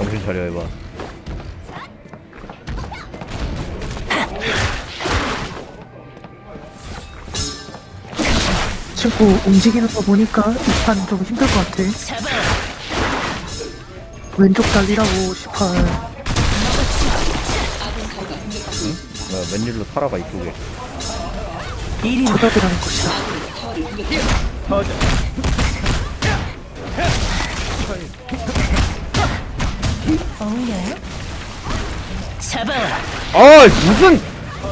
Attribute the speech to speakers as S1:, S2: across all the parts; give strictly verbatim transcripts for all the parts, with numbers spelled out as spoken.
S1: 정신 차려 해봐.
S2: 친구 움직이는 거 보니까 이 판 좀 힘들 것 같아. 왼쪽 달리라고 십팔.
S1: 뭐야, 웬일로 타라가 이쪽에.
S2: 쳐다보라는 것이다.
S3: 잡아라.
S1: 아 무슨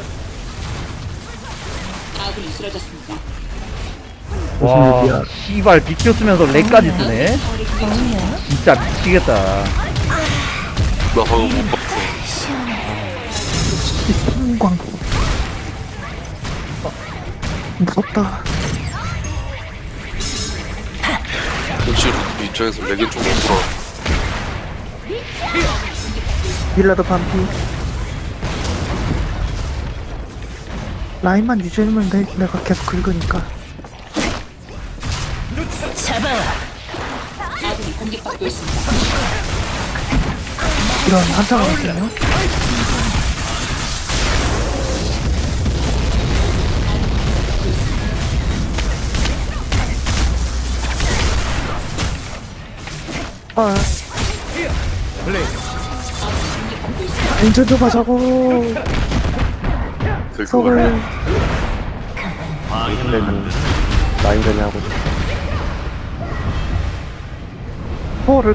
S3: 아군이 쓰러졌습니다.
S1: 와 씨발 비켜 쓰면서 렉까지 쓰네. 진짜 미치겠다.
S4: 나 방금 못 봤어.
S2: 이 성광. 무섭다.
S4: 현실 입장에서 렉이 좀 없구나.
S2: 밀라드 반피. 라인만 유지해주면 돼. 내가 계속 긁으니까.
S3: 잡아라. 아군이 공격받고 있습니다.
S2: 이런 한타가 있네요. 아. 인천 좀 하자고.
S4: 될것
S2: 속을.
S4: 같아.
S5: 라인전이 하고 싶어.
S2: 파워를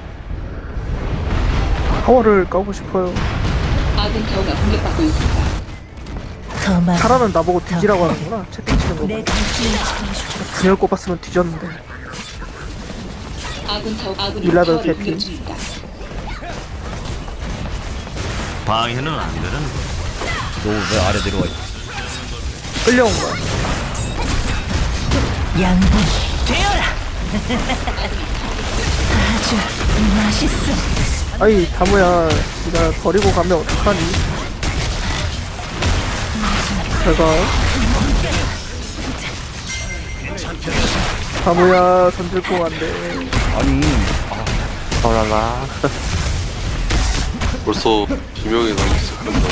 S2: 파워를 까고 싶어요.
S3: 아군 타워가 공격받고 있습니다. 더만
S2: 사람은 나보고 뒤지라고 하는구나. 채팅 치는 거.
S3: 내 갈증을 채워주고.
S2: 분열 꼽았으면 뒤졌는데.
S3: 아군 타워 아군이
S2: 밀라드
S3: 타워를
S2: 대피.
S3: 공격 중입니다.
S6: 방해는 안 되는
S1: 너 왜 아래 내려와 있어?
S2: 끌려온 거야.
S3: 양분 되어라. 아주 맛있어.
S2: 아이 다무야, 네가 버리고 가면 어떡하니? 제가 다무야 손 들고 안돼.
S1: 아니
S5: 어라라.
S4: 벌써 비명이 나기 시작한다.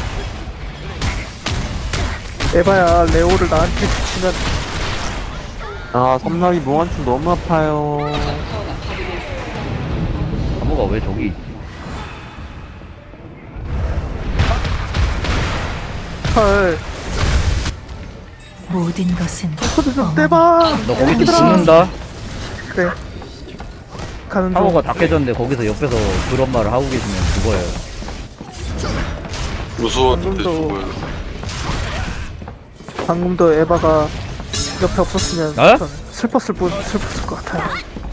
S2: 에바야 레오를 나한테 붙이면
S5: 아, 섬나기 몽환충 너무 아파요.
S1: 나무가 왜 저기 있지?
S2: 헐.
S3: 모든 것은
S2: 코드 좀 떼봐.
S1: 너 거기서
S2: 얘들아.
S1: 죽는다?
S2: 그래. 가는 중.
S1: 타워가 다 깨졌는데 거기서 옆에서 그런 말을 하고 계시면 죽어요.
S4: 무서웠는데
S2: 방금도-
S4: 죽어요.
S2: 방금도 에바가 옆에 없었으면
S1: 어?
S2: 전 슬펐을 뿐 슬펐을 것 같아요.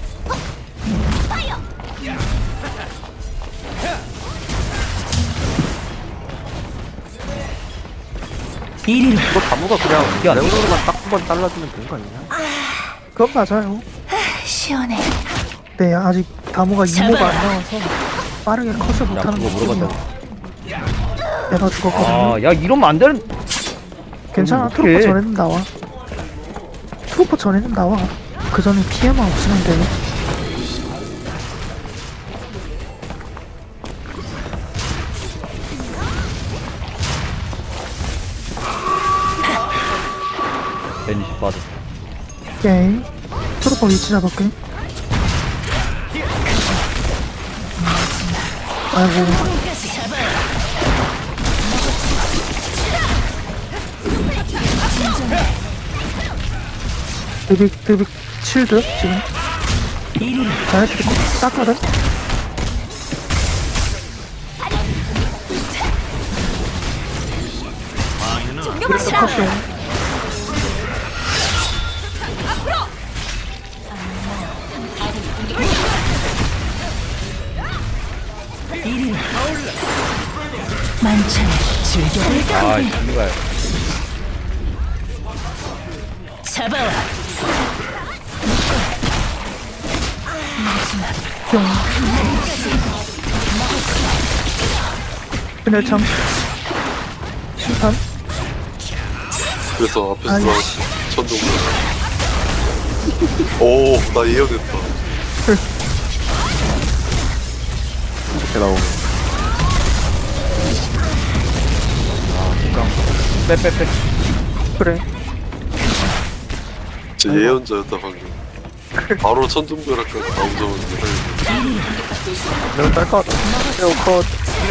S3: 이리로
S5: 이거 다무가 그냥
S1: 이게 안 돼.
S5: 레오노로만 딱 한 번 잘라주면 되는 거 아니냐?
S2: 그건 맞아요.
S3: 시원해.
S2: 네, 아직 다무가 이모가
S3: 잡아라.
S2: 안 나와서 빠르게 컷을
S1: 나
S2: 못하는
S1: 그거
S2: 거거든요.
S1: 물어봤다.
S2: 에바 죽었거든요.
S1: 아야 이러면 안 되는.
S2: 괜찮아.
S1: 어떡해.
S2: 트루퍼 전에는 나와. 트루퍼 전에는 나와. 그 전에 피해만 없으면 돼.
S1: 베니시 빠졌어.
S2: 오케이. 트루퍼 위치 잡을게. 아이고. 드빅 드빅 칠드 지금.
S3: 이리로
S2: 자네들이 땄거든. 그래서 컷이용.
S3: 이리로 만찬 즐겨볼까?
S1: 아 이발.
S3: 잡아와.
S2: 뿅. 그날 참 심판.
S4: 그래서 앞에서
S2: 아이씨.
S4: 나왔지. 천둥. 오, 나 예언했다.
S5: 이렇게 나오고.
S1: 빼빼빼.
S2: 그래.
S4: 제 예언자였다 방금. 바로 천둥벼락까지 나오자마자
S2: 너무 딸 것. 에어 컷.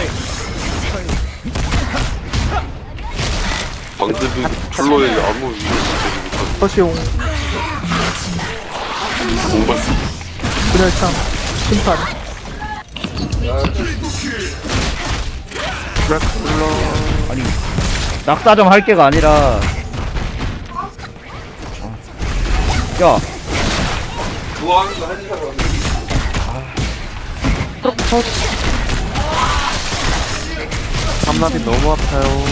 S4: 방대비 플로에 아무 위협이 되지 못하는
S2: 컷이용.
S4: 정말
S2: 분열창. 심판. 드라큘러.
S1: 아니 낙사점 할 게가 아니라. 야
S5: 삼라비 너무 아파요.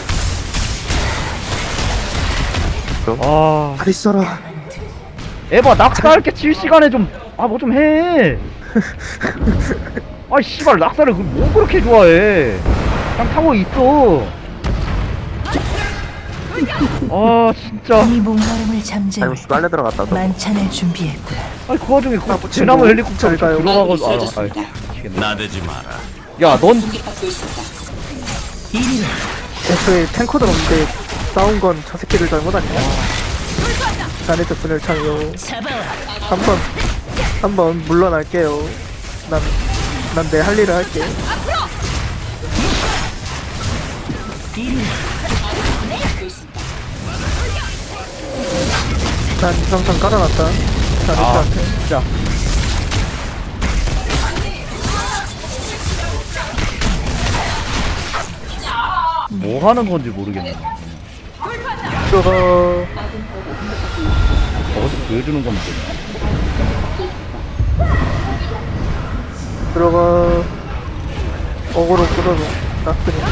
S1: 아,
S2: 잘 있어라.
S1: 에바 낙사할 게 칠 시간에 좀 아 뭐 좀 해. 아 씨발 낙사를 그 뭐 그렇게 좋아해. 그냥 타고 있어. 아 진짜.
S3: 이 목마름을 잠재울
S5: 잘못 빨래 들어갔다. 너.
S3: 만찬을 준비했구나.
S1: 아니 그 와중에 그
S2: 아, 뭐
S1: 대나무
S2: 친구
S1: 헬리콥터
S2: 잘 가요.
S1: 들어가고 아, 아, 미치겠네.
S6: 나대지 마라.
S1: 야, 넌
S3: 이리로
S2: 애초에 탱커들 없는데 싸운 건 저 새끼들 잘못 아니야? 자네트 분열창이요.
S3: 잡아와.
S2: 한번 한번 물러날게요. 난 난 내 할 일을 할게.
S3: 이리로
S2: 난 이상상 깔아놨다.
S1: 아,
S2: 자네트한테.
S1: 진짜. 뭐 하는 건지 모르겠네.
S2: 들어가.
S1: 어디 보여주는 건데.
S2: 들어가. 어그로 끌어줘. 나 그냥.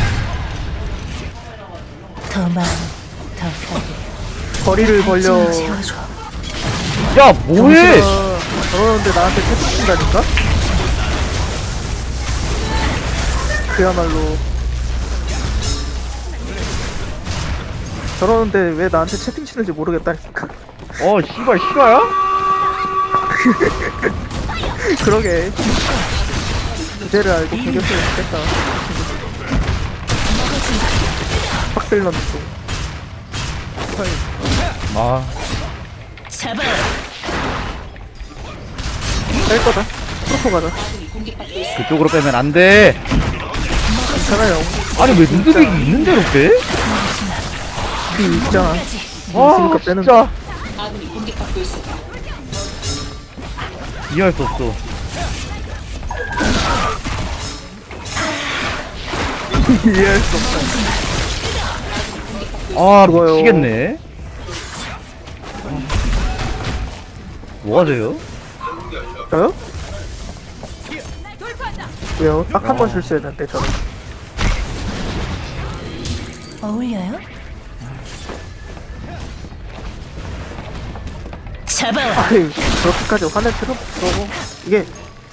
S3: 더 많이 더 크게
S2: 거리를 벌려.
S3: 찜을 채워줘.
S1: 야, 뭐해?
S2: 정신아, 저러는데 나한테 채찍 친다니까? 그야말로. 저러는데 왜 나한테 채팅 치는지 모르겠다니까.
S1: 어, 씨발 실화야?
S2: 그러게. 주제를 알고 공격했으면 좋겠다. 확실런 중.
S1: 아,
S3: 잡아와.
S2: 뺄 거다. 프로포 가자.
S1: 그쪽으로 빼면 안 돼.
S2: 괜찮아요.
S1: 아니 왜 눈두백이 있는 대로 빼?
S2: 비 있잖아.
S1: 아,
S2: 있으니까 빼는
S1: 진짜. 이해할 수 없어.
S2: 이해할 수 없다.
S1: 아,
S2: 그거요.
S1: 미치겠네. 뭐 하세요?
S2: 저요? 왜요? 딱 한 번 실수했는데 저는.
S3: 어울려요? 잡아와.
S2: 아이, 그렇게까지 화낼 필요 없어. 이게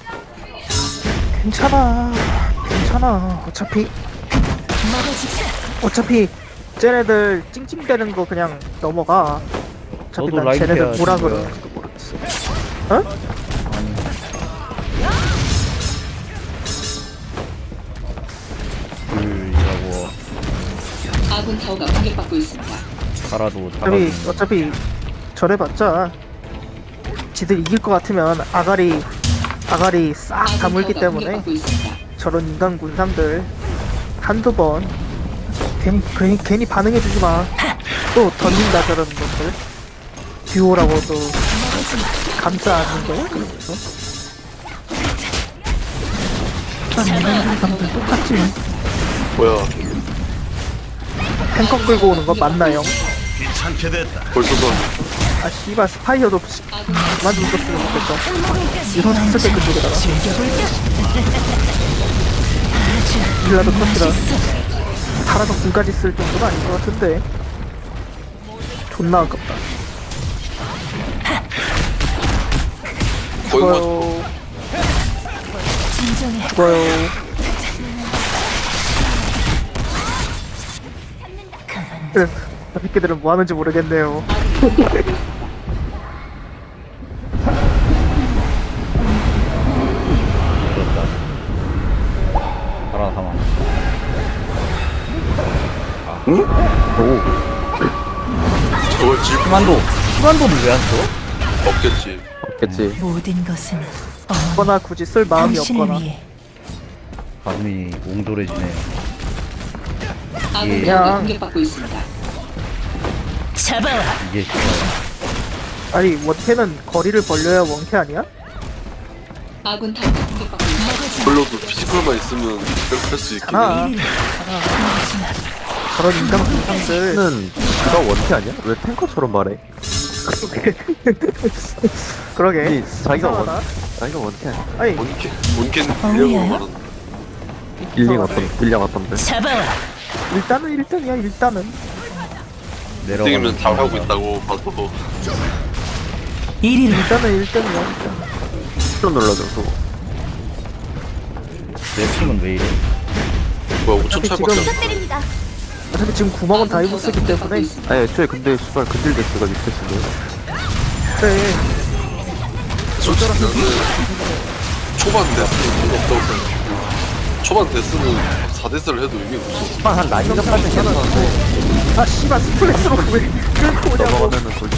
S2: 괜찮아. 괜찮아. 어차피
S3: 먹어주자.
S2: 어차피 쟤네들 찡찡대는 거 그냥 넘어가. 어차피
S1: 너도
S2: 난
S1: 라인
S2: 쟤네들
S1: 해야지,
S2: 뭐라
S1: 뭐야.
S2: 그러는지도 모르겠어. 어?
S1: 둘이라고
S7: 아군 타워가 공격받고 있습니다.
S1: 가라도
S2: 어차피
S1: 잡아주는.
S2: 어차피 저래봤자 지들 이길 것 같으면 아가리 아가리 싹
S7: 아군
S2: 다물기
S7: 타워가
S2: 때문에
S7: 공격받고 있습니다.
S2: 저런 인간 군상들 한두 번 괜히 괜히 괜히 반응해주지 마. 또 던진다 저런 것들 듀오라고도 감싸 안는 거야? 그러면서 난 인간 군상들 똑같지.
S4: 뭐야
S2: 탱커 끌고 오는 거 맞나요?
S6: 귀찮게 됐다.
S4: 벌써 다
S2: 아 씨발 스파이어도 씨, 그만 좀 썼으면 좋겠다. 유선 했을 때 그쪽에다가
S3: 즐겨볼까?
S2: 일라도 컷이라 살아서 군까지 쓸 정도는 아닌 것 같은데 존나 아깝다.
S4: 거의 뭐
S2: 죽어요.
S3: 진정해.
S2: 죽어요. 그, 저 새끼들은 뭐 하는지 모르겠네요.
S4: 저걸 질
S1: 희만도 희만도는 왜 안 써?
S4: 없겠지.
S5: 없겠지.
S3: 모든 것은
S2: 거나 굳이 쓸 마음이
S3: 당신을
S2: 없거나.
S3: 위해.
S1: 가슴이 옹졸해지네.
S7: 아군
S1: 예.
S7: 타워가
S2: 그냥-
S7: 공격받고 있습니다.
S3: 잡아와.
S1: 이게 진짜
S2: 아니 원캐는 거리를 벌려야 원캐 아니야?
S7: 아군 타워가 공격받고 있습니다.
S4: 물론도 피지컬만 있으면 그렇게 할 수 있긴 해.
S2: 하나
S3: 이리로.
S2: 저런 인간 분상들
S5: 는 누가 원캐 아니야? 왜 탱커처럼 말해?
S2: 그러게
S5: 이 자기가 원
S2: 이상하다.
S5: 자기가 원캐 아니야?
S2: 아니
S4: 원캐 원캐는 빌려고 말한다.
S5: 딜링 어떤 딜량 어떤데?
S3: 잡아와.
S2: 일단은 일 등이야 일단은.
S1: 내려가면
S4: 땡이면 다 하고 있다고 봐도
S3: 이리로.
S2: 일단은 일 등이야.
S5: 힐러 눌러줘. 또.
S1: 내 팀은 왜 이래?
S4: 뭐야 오천
S2: 지금-
S4: 차이밖에 안 나.
S2: 어차피 지금 구멍은 다이브스기 때문에
S5: 아니 애초에 근데 수발 근딜 데스가 밑에 쓰네.
S2: 그래
S4: 솔직히 나는 초반 데스는 없다고 생각해. 초반 데스는 사 데스를 해도 의미 없어.
S5: 한 라인업까지 괜찮은데
S2: 아 씨발 스플래시로 왜 끌고 오냐고.
S5: 넘어가면은 솔직히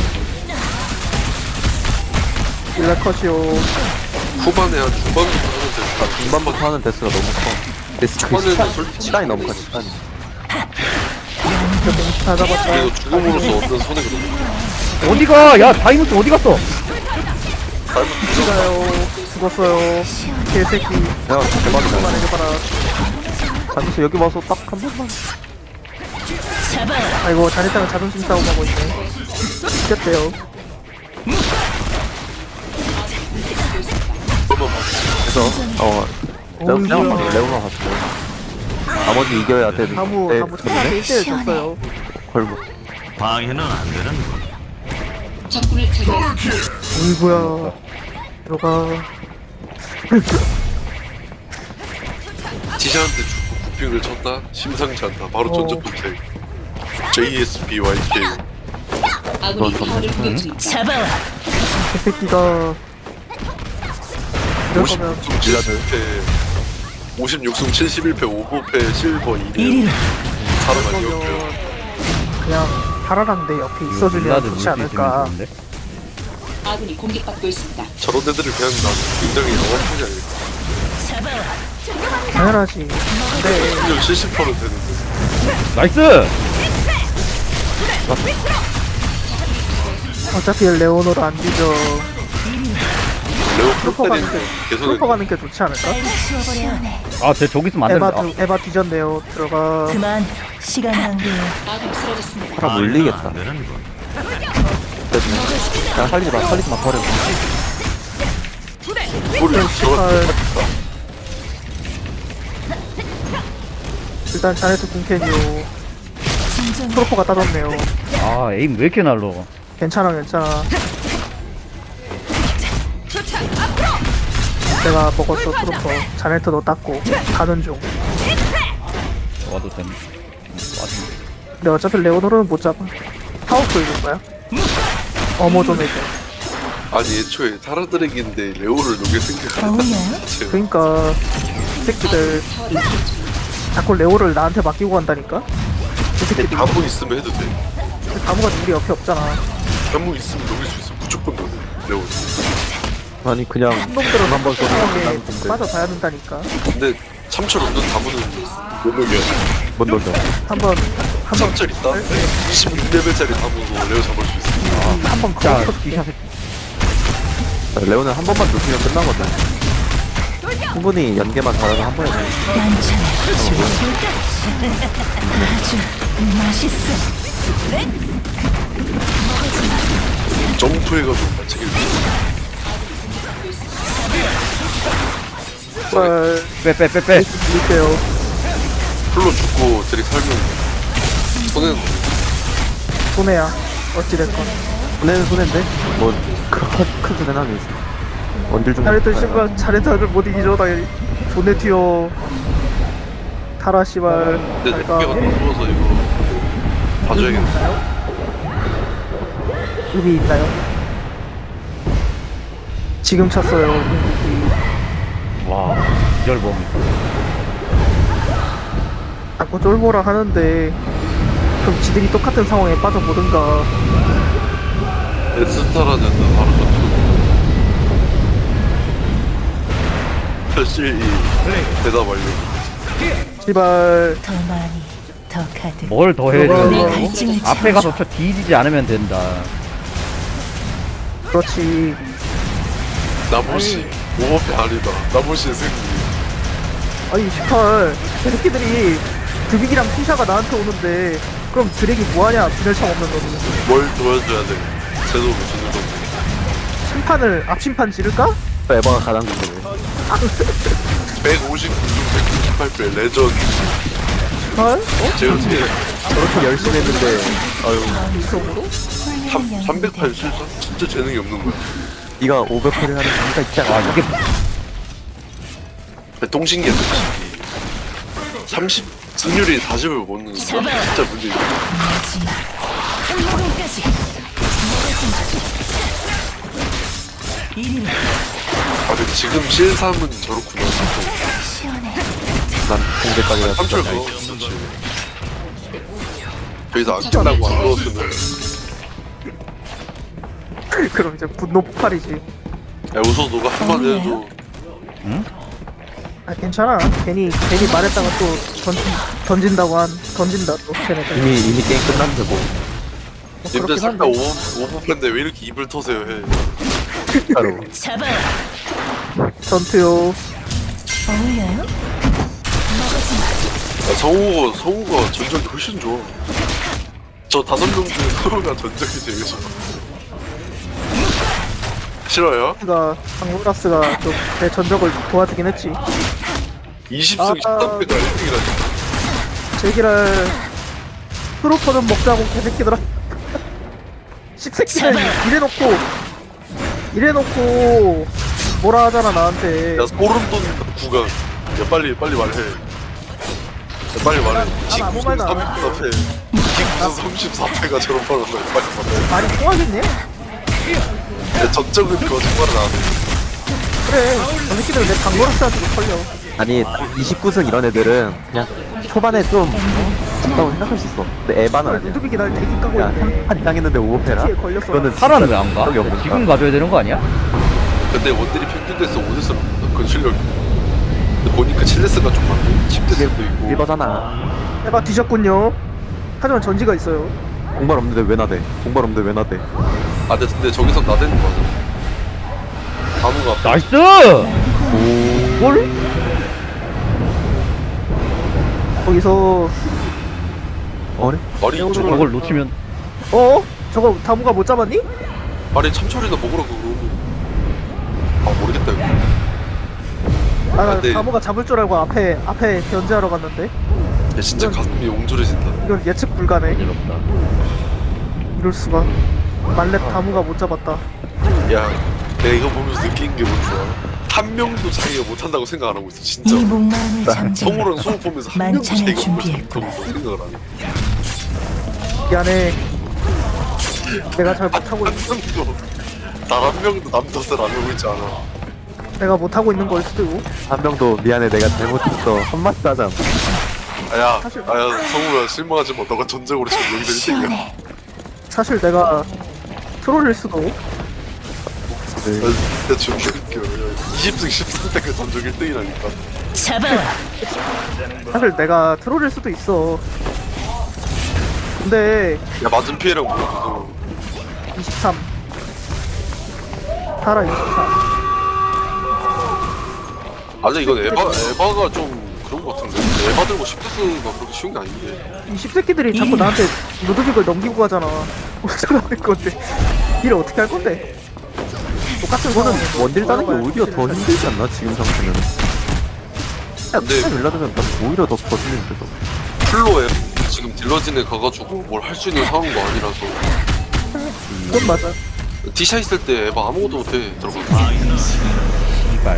S2: 일라컷이요.
S4: 후반에 한 중반부터 하는 데스가
S5: 중반부터 하는 데스가 너무 커. 데스 그
S4: 초반에는
S5: 시간,
S4: 솔직히
S5: 시간이 너무 커. 시간이.
S2: 다 잡았다.
S4: 그리고 죽음으로써 얻는 손해가 너무
S1: 어디가? 야 다이노스 어디 갔어?
S2: 죽어요. 죽었어요. 개새끼.
S5: 야 대박이다.
S2: 그만해줘봐라.
S5: 가면서 여기 와서 딱 한 번만.
S3: 잡아와.
S2: 아이고 자네땅은 자존심 싸움하고 있네. 이겼대요.
S5: 그래서 어 레오
S2: 어이구야.
S5: 그냥 바로 레오나 갔어. 나머지 이겨야 돼.
S2: 다무
S5: 네,
S2: 다무 천하게 일 대 일 졌어요.
S5: 걸고.
S6: 방해는 안 되는
S7: 적군을 제거했습니다.
S2: 어이구야. 들어가.
S4: 지샤한테 죽고 구핑을 쳤다? 심상치 않다. 바로
S2: 어.
S4: 전적 분쟁. 제이에스피와이케이.
S7: 아군이 타워를 공격 중입니다.
S3: 잡아와.
S2: 개새끼가. 이러면
S4: 오십육 승 오십육 승 칠십일 패 오 패 실버 이 등
S3: 이리로.
S4: 사람 아니었고요.
S2: 그러면 그냥 파라랑 내 옆에 있어주면
S1: 블라드
S2: 좋지
S1: 물수 있으면
S2: 않을까.
S1: 좋은데?
S7: 아군이 공격받고 있습니다.
S4: 저런 애들을 그냥 나 굉장히 영업하지 않을까.
S3: 잡아와.
S2: 당연하지. 근데
S4: 승률 칠십 퍼센트 되는데.
S1: 나이스!
S2: 어차피 레오노를 안 뒤져.
S4: 레오
S2: 트루퍼 가는 게
S4: 프로테린 개선을
S2: 트루퍼 가는 게 좋지 않을까?
S3: 치워버려.
S1: 아, 쟤 저기 있으면 안
S2: 에바
S1: 된다.
S2: 두, 에바 뒤졌네요. 들어가.
S3: 그만. 시간 낭비.
S7: 아군이 쓰러졌습니다.
S5: 팔아 물리겠다.
S6: 안 되는 건.
S5: 야 살리지 마. 살리지 마. 버려.
S4: 우리 저거
S2: 씨발. 일단 자네트 궁캔이요.
S3: 진정.
S2: 트루퍼가 따졌네요.
S1: 아, 에임 왜 이렇게 날러?
S2: 괜찮아 괜찮아. 내가 먹었어 트루퍼. 자네트도 땄고 가는 중.
S1: 와도 됨. 와도.
S2: 근데 어차피 레오노르는 못 잡아. 타워 끌릴 거야. 어머 좀 해줘.
S4: 아니 애초에 타라드렉인데 레오를 녹일 생각을
S3: 어울려요?
S4: 했지.
S2: 그니까 이 새끼들
S7: 타워를 공격 중입니다.
S2: 자꾸 레오를 나한테 맡기고 간다니까? 이 새끼들
S4: 다무 있으면 해도 돼.
S2: 다무가 우리 옆에 없잖아.
S4: 다무 있으면 녹일 수 있어. 무조건 녹여. 레오.
S5: 아니 그냥
S2: 놈들은
S5: 한번 쏘고
S2: 하게
S5: 끝나는 건데.
S2: 빠져봐야 된다니까.
S4: 근데 참철 없는 다무는 못 녹여.
S5: 못 녹여.
S2: 한번 한번
S4: 참철 있다? 이십육 레벨짜리 다무도 레오 잡을 수 있어.
S2: 한번
S1: 자,
S2: 거쳐
S1: 기샷
S5: 레오는 한 번만 눕히면 끝나거든. 충분히 연계만 잘하면 한 번에 돼.
S3: 난처해. 죽어볼까? 아주 맛있어.
S4: 점프해가지고 맞추길
S2: 걸
S1: 빼, 빼, 빼, 빼.
S2: 밀게요.
S4: 풀로 죽고 드릭 살면 손해는
S2: 손해야. 어찌됐건.
S5: 손해는 손해인데 뭐 그렇게 큰 손해는 아니지. 원딜 중.
S2: 자네트 씨발 자네트를 못 이기죠 당연히. 존내 튀어. 타라 씨발.
S4: 근데 내
S2: 잘가.
S4: 피가 너무 좋아서 이거 봐줘야겠네.
S2: 의미 있나요? 지금 찼어요.
S1: 와, 기절범.
S2: 자꾸 쫄보라 하는데 그럼 지들이 똑같은 상황에 빠져보든가.
S4: 에스타라는 바로 저쪽. 사실 이 대답 완료.
S2: 제발.
S3: 더 많이, 더 가득.
S1: 뭘 더 해?
S2: 뭐가-
S3: 내
S1: 저
S3: 갈증을
S1: 앞에 가서
S3: 채워줘.
S1: 저 뒤지지 않으면 된다.
S2: 그렇지.
S4: 나무시 오버패 아니다. 나무시의 승리.
S2: 아니 십팔 저 새끼들이 드빅이랑 티샤가 나한테 오는데 그럼 드랙이 뭐하냐 분열창 없는 놈이.
S4: 뭘 도와줘야 돼? 제대로 주는 건데.
S2: 심판을 앞심판 지를까?
S5: 에바가 가장 궁금해.
S4: 백오십구 중 백구십팔 배 레전.
S2: 헐? 어?
S4: 제가 어떻게
S5: 저렇게 열심히 했는데 아유
S2: 이성으로?
S4: 삼백팔 실수? 진짜 재능이 없는 거야.
S5: 네가 오백 패를 하는 이유가 있지 않아?
S1: 아 이게
S4: 동신기야 동신기. 삼십 승률이 사십을 못 넣는 거 진짜 문제야.
S3: 마지막 한 모금까지. 이리로
S4: 아 근데 지금 실삼은 저렇구나.
S3: 시원해.
S5: 난 공대까지 갔어.
S4: 삼철 그거 그렇지. 여기서 안 끝나고 안 넣었으면
S2: 그럼 이제 분노 폭발이지.
S4: 야 우선 너가 한마디 해줘.
S2: 아 괜찮아. 괜히 괜히 말했다가 또 던진 던진다고 한 던진다 또 쟤네들.
S5: 이미 이미 게임 끝났는데 뭐.
S2: 뭐
S4: 님들
S2: 그렇긴
S4: 살다
S2: 한데.
S4: 오버팬데 왜 이렇게 입을 터세요 해.
S5: 진짜로.
S3: 잡아.
S2: 전투요.
S3: 어울려요?
S4: 야, 성우가 성우가 전적이 훨씬 좋아. 저 다섯 명 중에 성우가 전적이 제일 좋아. 싫어요?
S2: 가 강로라스가 좀 내 전적을 도와주긴 했지.
S4: 이십 승
S2: 아.
S4: 십삼 패가 일 등이라니.
S2: 제기랄 프로포는 먹자고 개새끼들아. 십새끼들 이래놓고 이래놓고 뭐라 하잖아 나한테.
S4: 야 소름 돋는 구간. 야 빨리 빨리 말해. 야, 빨리 말해.
S2: 난 아무 말도 안
S4: 삼십사 패. 무슨 삼십사 패가 저런 말을 해. 빨리 말해.
S2: 말이 통하겠네?
S4: 야 전적은 거짓말을 안 해.
S2: 그래 저 새끼들 내 강로라스한테도 털려.
S5: 아니 이십구 승 이런 애들은 그냥 초반에 좀 없다고 생각할 수 있어. 근데 에바는 아니야.
S2: 루드빅이 날 대기 까고
S5: 야,
S2: 있네.
S5: 한 이상했는데 오패라
S2: 피에 걸렸어.
S5: 그거는
S1: 파라는 왜 안 가?
S5: 적이 없는
S1: 지금 가져야 되는 거 아니야?
S4: 근데 원딜이 평균대에서 오 대스로 그건 실력이. 근데 보니까 칠 대스가 좀 많고 십 대스도 있고.
S5: 일버잖아.
S2: 에바 뒤졌군요. 하지만 전지가 있어요.
S5: 공발 없는데 왜 나대? 공발 없는데 왜 나대?
S4: 아 근데, 근데 저기서 나대는 거 맞아. 다무가 앞에
S1: 나이스!
S5: 오.
S1: 뭘?
S2: 거기서
S5: 어래?
S4: 말이
S2: 저걸
S4: 저걸
S1: 저걸 놓치면
S2: 어? 저거 다무가 못 잡았니?
S4: 말이 참철이나 먹으라고 그러고. 아 모르겠다 이거.
S2: 아, 나
S4: 아, 네.
S2: 다무가 잡을 줄 알고 앞에 앞에 견제하러 갔는데
S4: 야 진짜 가슴이 옹졸해진다.
S2: 이건 예측 불가네.
S1: 어지럽다.
S2: 이럴 수가. 말렙 다무가 못 잡았다.
S4: 야 내가 이거 보면서 느낀 게 뭔지 알아? 한 명도 자기가 못한다고 생각 안 하고 있어 진짜.
S3: 이 목마름을 잠재우고
S4: 성우랑 수호 보면서 한 명도
S3: 만찬을
S4: 자기가
S3: 준비했구나.
S4: 못한다고 생각을 안 해.
S2: 미안해. 내가 잘 못하고
S4: 한
S2: 있,
S4: 명도 단 한 명도 남 탓을 안 하고 있지 않아.
S2: 내가 못하고 있는 걸 수도 있고.
S5: 한 명도 미안해 내가 잘못했어 한마디도 하지 않아.
S4: 아야
S2: 사실-
S4: 아야 성우야 실망하지 마. 너가 전적으로 지금 여기서 일 등이야.
S3: 시원해.
S2: 사실 내가 트롤일 수도.
S5: 네.
S4: 나 진짜 존나 웃겨. 이십 승 십삼 패가 전적 일 등이라니까.
S3: 잡아와.
S2: 사실 내가 트롤일 수도 있어. 근데
S4: 야 맞은 피해랑 물어줘서
S2: 이십삼. 타라 이십삼.
S4: 아니 이건 에바 에바가 좀 그런 거 같은데. 에바 들고 십 대스가 그렇게 쉬운 게 아닌데.
S2: 이 십새끼들이 자꾸 나한테 루드빅을 넘기고 가잖아. 어쩌라는 건데. 일을 어떻게 할 건데? 똑같은 거는
S5: 원딜 따는 게 오히려 더 힘들지 않나 지금 상태는. 야,
S4: 근데-
S5: 근데 일라드면 난 오히려 더 버티는 데서.
S4: 플로에 지금 딜러진에 가가지고 뭘 할 수 있는 상황도 아니라서.
S2: 그건 맞아.
S4: 디샤 있을 때 에바 아무것도 못해 들어가.
S1: 이발.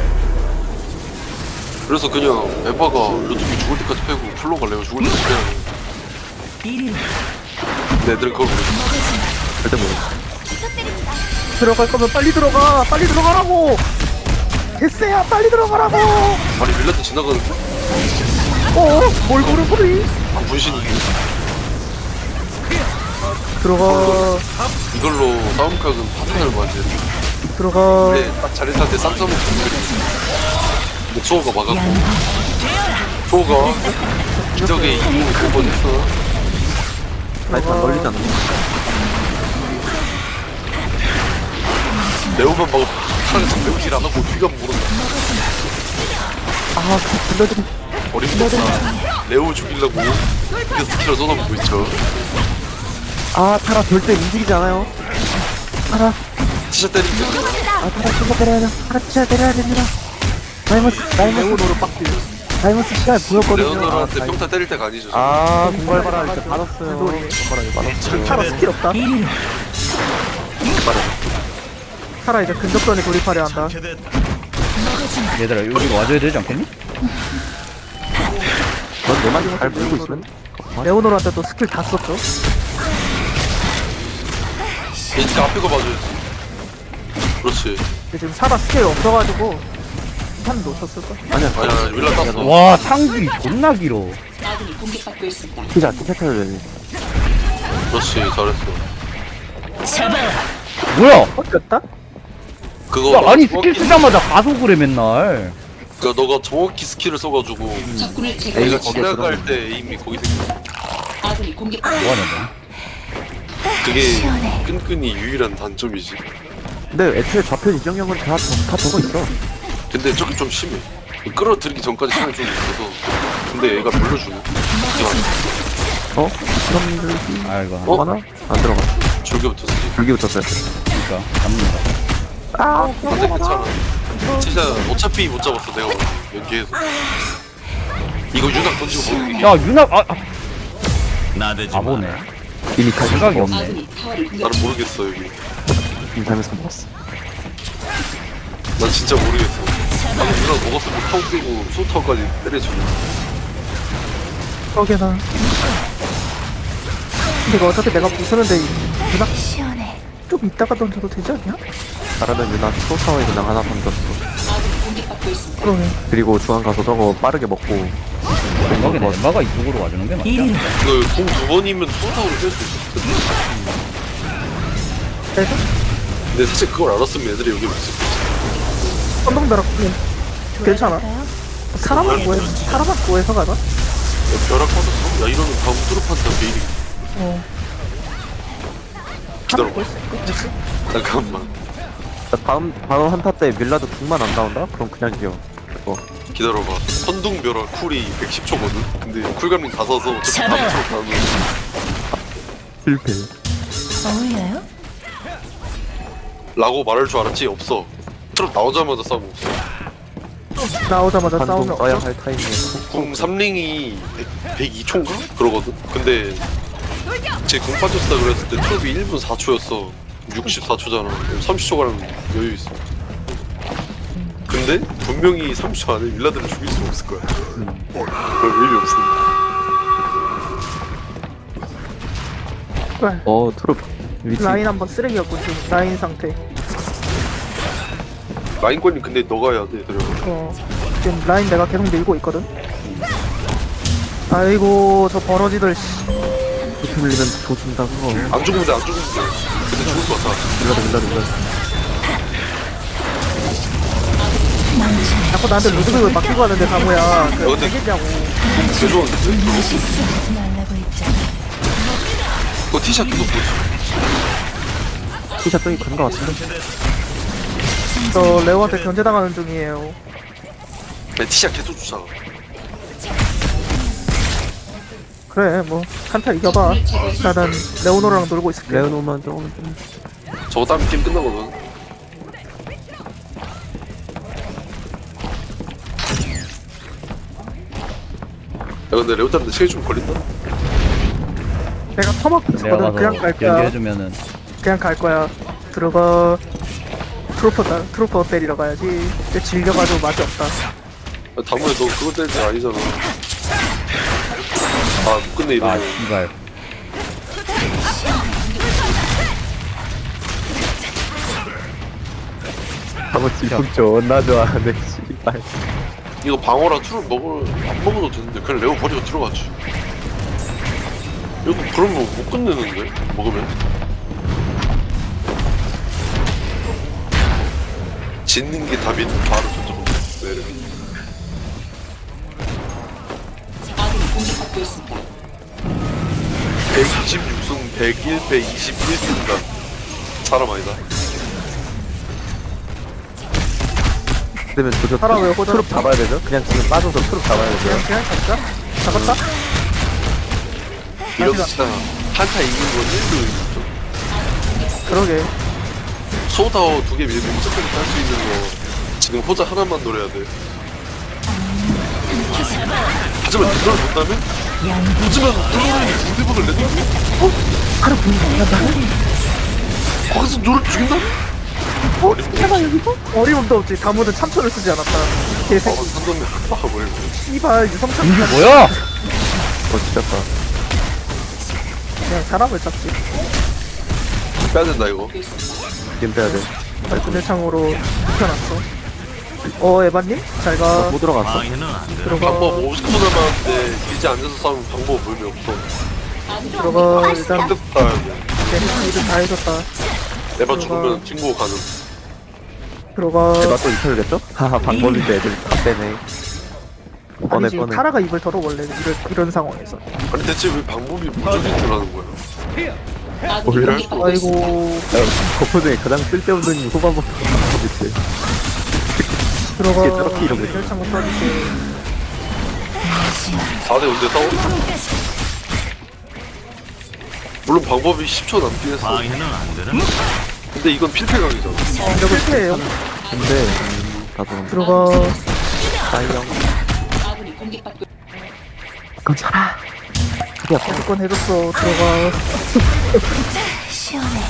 S4: 그래서 그냥 에바가 루드비 죽을 때까지 패고 플로가 레오 죽을 때까지 패야 돼.
S3: 이리로
S4: 근데 애들은 그걸 모르겠어.
S5: 절대 모르.
S2: 들어갈 거면 빨리 들어가. 빨리 들어가라고. 개쎄야 빨리 들어가라고.
S4: 아니 밀라드 지나가는
S2: 어? 뭘 모르고리?
S4: 아, 분신이
S2: 들어가
S4: 이걸로 싸움각은 파탄을 맞지.
S2: 들어가
S4: 근데 딱 자리한테 쌈싸먹 근데 수호가 막았고 수호가 기적의 이기고 두번 했어.
S5: 아니 안 걸리지 않나?
S4: 레오만 막고 차라리 정배우질 안 하고 뒤가 모른다.
S2: 아 불러드리
S4: 어림없다. 레오 죽이려고 그 스킬을 쏟아붓고 있죠.
S5: 아 타라 절대 움직이지 않아요.
S2: 타라
S4: 티셔츠 때리면 됩니다.
S2: 아 타라 진짜 때려야 돼 타라 진짜 때려야 됩니다 다이머스 다이머스 레오노로 빡들 다이머스 시간 보였거든요
S4: 레오노르한테 평타 때릴 때가 아니죠. 저는.
S5: 아 공갈바라 이제 받았어요.
S2: 놀이.
S5: 공갈바라 이제 받았어요.
S2: 타라 스킬 없다 타라 이제 근접전에 돌입하려 한다
S1: 얘들아 여기 와줘야 되지 않겠니?
S5: 넌내 말이 잘 물고 있으면
S2: 레오노르한테 또 스킬 다 썼죠
S4: 진짜 앞에 거 봐줘야지. 그렇지.
S2: 근데 지금 타라 스킬 없어가지고 한 놓쳤을걸?
S5: 아니야.
S4: 아니야 윌라 땄어.
S1: 와 상기 존나 길어.
S7: 아군이 공격받고 있습니다.
S5: 티자 티셔츠를 내니.
S4: 그렇지 잘했어.
S3: 잡아와.
S1: 뭐야?
S2: 꺾였다?
S4: 그거
S1: 야, 아니
S4: 정확히-
S1: 스킬 쓰자마자 가속을 해 맨날.
S4: 그러니까 너가 정확히 스킬을 써가지고
S7: 적군을 제거.
S4: 내가
S5: 거기에
S4: 지나갈 때 에임이 거기 생겨.
S7: 아군이 공격받고
S1: 뭐하는 거야?
S4: 그게 끈끈이 유일한 단점이지.
S5: 근데 애초에 좌표 이정형은 다, 다 적어 있어.
S4: 근데 저기 좀 심해. 끌어들이기 전까지 시간이 좀 있어서. 근데 얘가 물려주네.
S5: 어? 그럼 들기.
S1: 아이고
S4: 어?
S5: 하나? 안 들어가.
S4: 줄기부터 쓰지.
S5: 줄기부터 써야 돼.
S1: 그러니까 잡는다.
S2: 아
S4: 근데 괜찮아. 진짜 어차피 못 잡았어 내가 연기해서. 이거 유낙 던지고 먹는 게.
S1: 야 유나 아, 아
S6: 나대지 마.
S1: 바보네.
S5: 이미 다
S1: 생각이 없네.
S7: 아군이 타워를 공격.
S4: 나는 모르겠어 여기.
S5: 이미 잘못해서 먹었어.
S4: 난 진짜 모르겠어. 방금 유낙 먹었으면 타워 깨고 소타워까지 때려주네.
S2: 꺾여나 근데 이거 어차피 내가 부수는데 누나
S3: 시원해.
S2: 좀 이따가 던져도 되지 않냐?
S5: 나라는 유나 소타워에 그냥 하나 던졌어.
S7: 아군이 공격받고 있습니다.
S2: 그러네
S5: 그리고 중앙 가서 저거 빠르게 먹고.
S1: 엠마가 엠마가 이쪽으로 와주는 게 맞지?
S3: 이리로.
S4: 그 공 두 번이면 소타워를 깰 수 있었을 텐데.
S2: 그래서
S4: 근데 사실 그걸 알았으면 애들이 여기 없을 거지.
S2: 선동벼락 그냥 괜찮아 사람만 구해 사람만 구해서 가자
S4: 야, 벼락 빠졌어? 야 이러면 다음 뚜루판타 베일이.
S2: 어
S4: 기다려봐.
S2: 구할 수 있고 됐어
S4: 잠깐만.
S5: 다음 다음 한타 때 밀라드 궁만 안 나온다? 그럼 그냥 이겨. 어.
S4: 기다려봐. 선둥벼락 쿨이 백십 초거든? 근데 쿨감링 다 써서 어차피
S3: 잡아.
S4: 다음 트로 가면
S5: 실패.
S3: 어울려요?
S4: 라고 말할 줄 알았지? 없어. 트롯 나오자마자 싸움 없어.
S2: 나오자마자
S5: 반동
S2: 싸우면
S5: 써야
S2: 없어
S5: 할 타이밍에.
S4: 궁 삼 링이 백이 초인가? 그러거든? 근데 제궁 빠졌다 그랬을 때 트롯이 일 분 사 초였어. 육십사 초잖아. 삼십 초가량 여유 있어. 근데 분명히 삼십 초 안에 윌라드를 죽일 수 없을 거야. 그럼 의미 없어.
S2: 그래.
S5: 어 트롭 위치.
S2: 라인 한번 쓰레기였고 지금 라인 상태
S4: 라인권님 근데 너가 해야 돼. 그래.
S2: 어 지금 라인 내가 계속 밀고 있거든 아이고 저 버러지들 씨
S5: 이렇게 밀리면 조준다 그거.
S4: 안 죽으면 돼, 안 죽으면 돼. 근데 죽을 것 같아.
S5: 밀라드 밀라드 밀라드.
S2: 자꾸 나한테 루드빅을 맡기고 하는데 가모야 그
S4: 어, 근데-
S2: 되겠냐고
S4: 개 좋은데?
S3: 말라고 했잖아.
S4: 그거 티샷 계속 보지.
S5: 티샷 저기 간거 같은데.
S2: 저 레오한테 견제당하는 중이에요
S4: 내 티샷 계속 쫓아.
S2: 그래 뭐 한타 이겨봐 나는 레오노랑 놀고 있을게
S5: 레오노만 조금 좀.
S4: 저거 따면 게임 끝나거든. 야 근데 레오타는데 시간이 좀 걸린다.
S2: 내가 터먹고
S1: 내가
S2: 있었거든 그냥
S1: 가서
S2: 갈 거야
S1: 연기해주면은
S2: 그냥 갈 거야 들어가 트로퍼 따, 트로퍼 때리러 가야지 근데 질려가지고 맛이 없다
S4: 야, 다음에 너 그거 때릴 때 아니잖아. 아 못 끝내
S1: 아
S4: 이러면.
S1: 씨발.
S5: 방어 질풍 존나 좋아하네 씨발.
S4: 이거 방어랑 투를 먹을 안 먹어도 되는데 그냥 레오 버리고 들어가지. 이거 그러면 못 끝내는데? 먹으면? 짓는 게 답인 바로 저쪽으로 내려.
S7: 아군이 공격받고 있습니다.
S4: 백이십육 승 백일 배 이십일 승인가? 사람 아니다.
S5: 그러면 저저
S2: 살아, 왜 호전-
S5: 트룹 잡아야 되죠? 그냥 지금 빠져서 트룹 잡아야 되죠?
S2: 그냥 그냥 잡자. 잡았다.
S4: 이렇게 진짜 한타 이긴 건 일도 있죠.
S2: 그러게.
S4: 소다워 두 개 밀고 무조건 딸수 있는 거 지금 호자 하나만 노려야 돼. 하지만 그걸 못하면 하지만 그거를 무대박을 내도 어?
S2: 하루 분위기 난다.
S4: 거기서 노를 죽인다?
S2: 어? 잠깐 여기서? 어림도 없지. 다무는 참초를 쓰지 않았다.
S4: 어,
S2: 개새끼.
S4: 산동네 박아버리고.
S2: 씨발 유성창.
S1: 이게 뭐야?
S5: 어 지렸다.
S2: 그냥 사람을 잡지.
S4: 빼야 된다 이거.
S5: 지금 빼야 돼.
S2: 발끈대창으로 눕혀놨어. 어 에바님? 잘가.
S5: 못 들어갔어.
S6: 방해는 안 돼.
S2: 들어가.
S4: 방법 오십 분 남았는데 이제 앉아서 싸우면 방법 의미 없어.
S2: 들어가. 일단
S4: 뜻다
S2: 걔네 일을 다 해줬다.
S4: 에바 죽으면 친구 가능.
S2: 들어가.
S5: 제가 또 이탈겠죠? 하하 방법인데 애들 다 빼네. 뻔해
S2: 아니 지금
S5: 뻔해.
S2: 타라가 입을 털어 원래 이런 이런 상황에서.
S4: 아니 대체 왜 방법이 무적인 줄 아는 거야?
S7: 아군이
S5: 몰라?
S7: 공격받고 있습니다.
S2: 아이고
S5: 거프 중에 가장 쓸데없는 후반부터 방법이지.
S2: 들어가.
S5: 이게 저렇게 이러고 있어.
S2: 혈창고 써줄게.
S4: 사 대 언제 싸워? 물론 방법이 십 초 남긴 했어.
S6: 방해는 안 되는.
S4: 근데 이건 필패각이잖아.
S2: 이러고 실패해요.
S5: 근데 음, 나도
S2: 들어가.
S5: 사이영.
S7: 아군이 공격받고
S5: 괜찮아. 그게 아파.
S2: 무조건 해줬어. 들어가.
S3: 시원해.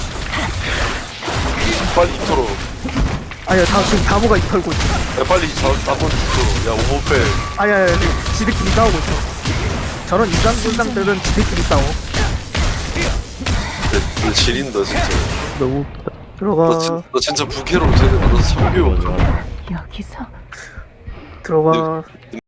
S4: 빨리 털어.
S2: 아니야 다 지금 다무가 입 털고 있어.
S4: 야 빨리 나번 털어. 야 오버패.
S2: 아야 지들끼리 싸우고 있어. 저런 인간 군상들은 지들끼리 싸워.
S4: 너 지린다 진짜.
S5: 너무
S2: 들어가.
S4: 너, 진, 너 진짜 부캐로 쟤네 만나서 성교해.
S3: 여기서
S2: 들어가.